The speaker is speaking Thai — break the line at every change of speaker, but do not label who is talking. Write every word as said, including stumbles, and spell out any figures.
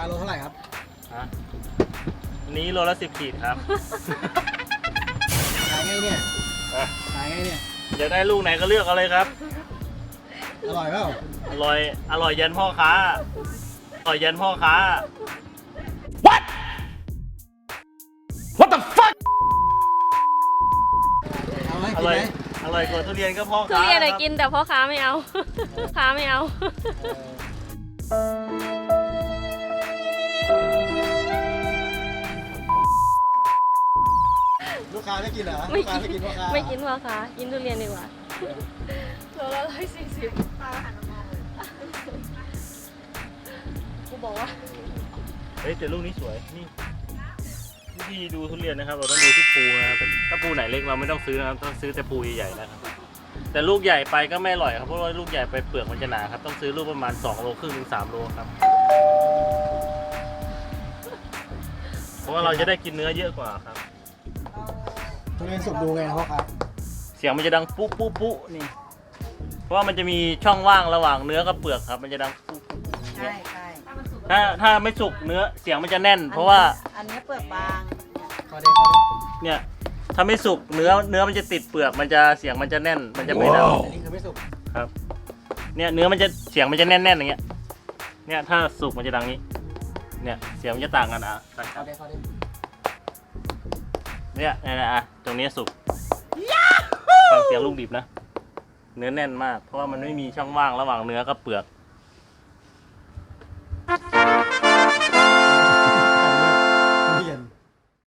โลเท่าไหร่ครับ
ฮะนี้โลละสิบขีดครับ
ขายไงเนี่ยขายไงเนี่ย
อยากได้ลูกไหนก็เลือกเอาเลยครับ
อร่อยเปล่า
อร่อยอร่อยยันพ่อค้าอร่อยยันพ่อค้า
What What the fuck
เอาไหม
อ
กิน
ร่อย
ไหม
อร่อยกว่าทุเรียนก็พ่อ
ทุ
ค้า
เรียนอะ
ครับ
กินแต่พ่อค้าไม่เอาค้าไม่เอา
ลูกค้าไม่กินเหรอลูกค้าไม่กินพ่อค้า
ไม่กินพ่อค้ากินทุเรียนดีกว่าโลละร้อยสี่สิบป้าหันมามองเลยกูบอกว่า
เฮ้ยแต่ลูกนี้สวยนี่วิธีดูทุเรียนนะครับเราต้องดูที่ภูนะครับถ้าภูไหนเล็กเราไม่ต้องซื้อนะครับต้องซื้อแต่ภูใหญ่ๆนะครับแต่ลูกใหญ่ไปก็ไม่อร่อยครับเพราะว่าลูกใหญ่ไปเปลือกมันจะหนาครับต้องซื้อลูกประมาณสองโลครึ่งถึงสามโลครับเพราะว่าเราจะได้กินเนื้อเยอะกว่าครับ
ทุเรียนสุกดูไงนะพ่อค้า
เสียงมันจะดังปุ๊ปุ๊ปุ๊นี่เพราะว่ามันจะมีช่องว่างระหว่างเนื้อกับเปลือกครับมันจะดังปุ๊ปุ๊
ใช่ใช่
ถ้าถ้าไม่สุกเนื้อเสียงมันจะแน่น เพราะว่า
อันนี้เปลือกบาง
ขอเด็กขอเด็ก
เนี่ยถ้าไม่สุกเนื้อเนื้อมันจะติดเปลือกมันจะเสียงมันจะแน่นมันจะไม่ดัง
อันนี้คือไม่สุก
ครับเนี่ยเนื้อมันจะเสียงมันจะแน่นๆอย่างเงี้ยเนี่ยถ้าสุกมันจะดังนี้เนี่ยเสียงมันจะต่างกันอ่ะ
ขอเด็กขอเด็ก
เนี่ยเนี่ยอ่ะตรงนี้สุกฟังเสียงลูกดิบนะเนื้อแน่นมากเพราะว่ามันไม่มีช่องว่างระหว่างเนื้อกับเปลือก